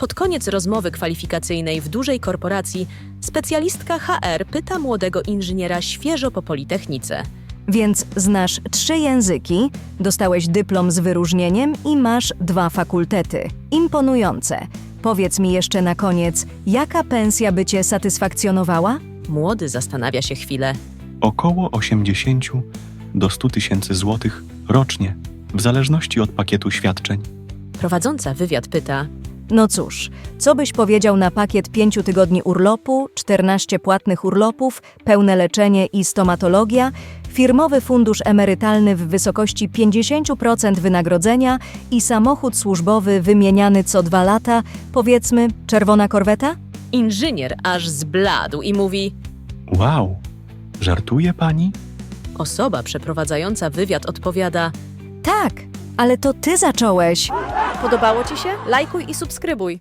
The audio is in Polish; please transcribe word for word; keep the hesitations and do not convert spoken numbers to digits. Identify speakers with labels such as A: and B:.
A: Pod koniec rozmowy kwalifikacyjnej w dużej korporacji specjalistka H R pyta młodego inżyniera świeżo po Politechnice.
B: Więc znasz trzy języki, dostałeś dyplom z wyróżnieniem i masz dwa fakultety. Imponujące. Powiedz mi jeszcze na koniec, jaka pensja by cię satysfakcjonowała?
A: Młody zastanawia się chwilę.
C: Około osiemdziesiąt do stu tysięcy złotych rocznie, w zależności od pakietu świadczeń.
A: Prowadząca wywiad pyta.
B: No cóż, co byś powiedział na pakiet pięciu tygodni urlopu, czternaście płatnych urlopów, pełne leczenie i stomatologia, firmowy fundusz emerytalny w wysokości pięćdziesiąt procent wynagrodzenia i samochód służbowy wymieniany co dwa lata, powiedzmy czerwona korweta?
A: Inżynier aż zbladł i mówi.
C: Wow, żartuje pani?
A: Osoba przeprowadzająca wywiad odpowiada.
B: Tak, ale to ty zacząłeś.
A: Podobało ci się? Lajkuj i subskrybuj.